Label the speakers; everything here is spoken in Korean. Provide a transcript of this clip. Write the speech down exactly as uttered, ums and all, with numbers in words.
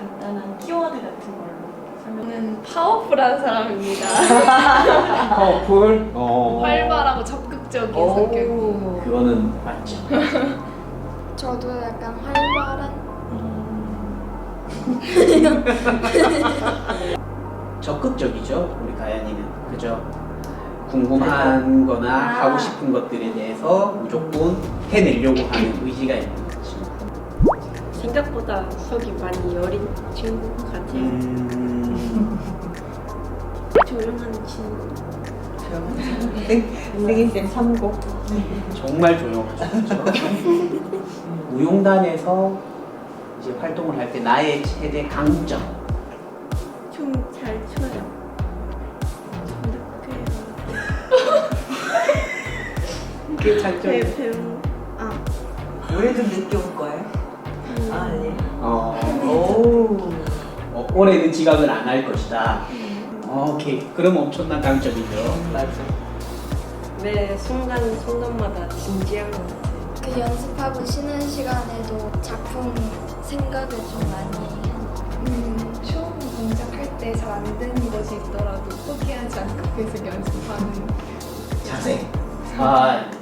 Speaker 1: 간단한 키워드 같은 걸로 설명.
Speaker 2: 저는 파워풀한 사람입니다.
Speaker 3: 파워풀? 어.
Speaker 2: 활발하고 적극적인
Speaker 3: 오.
Speaker 2: 성격이고.
Speaker 3: 그거는 맞죠.
Speaker 4: 저도 약간 활발한
Speaker 3: 적극적이죠, 우리 가연이는. 그죠? 궁금한 거나
Speaker 1: 아.
Speaker 3: 하고 싶은 것들에 대해서 무조건 해내려고 하는 의지가 있는 거지.
Speaker 5: 생각보다 속이 많이 여린 친구 같아요.
Speaker 3: 음.
Speaker 5: 조용한 친구.
Speaker 1: 생일생 삼고.
Speaker 3: 정말 조용하죠. 그죠? 무용단에서 이제 활동을 할 때 나의 최대 강점.
Speaker 5: 춤 잘 춰요. 정답해요.
Speaker 1: 그게 장점이.
Speaker 5: 배 배운. 아.
Speaker 1: 올해 좀 늦게 올 거예요? 아, 아니.
Speaker 3: 어,
Speaker 1: 오.
Speaker 3: 어, 올해는 지각을 안 할 것이다. 어, 오케이. 그럼 엄청난 강점이죠.
Speaker 1: 맞아.
Speaker 5: 매 순간 순간마다 진지한 것 같아요.
Speaker 4: 그 연습하고 쉬는 시간에도 작품 생각을 좀 많이 해요.
Speaker 2: 음, 처음 동작할 때 잘 안 되는 것이 있더라도 포기하지 않고 계속 연습하는.
Speaker 3: 자세. 아,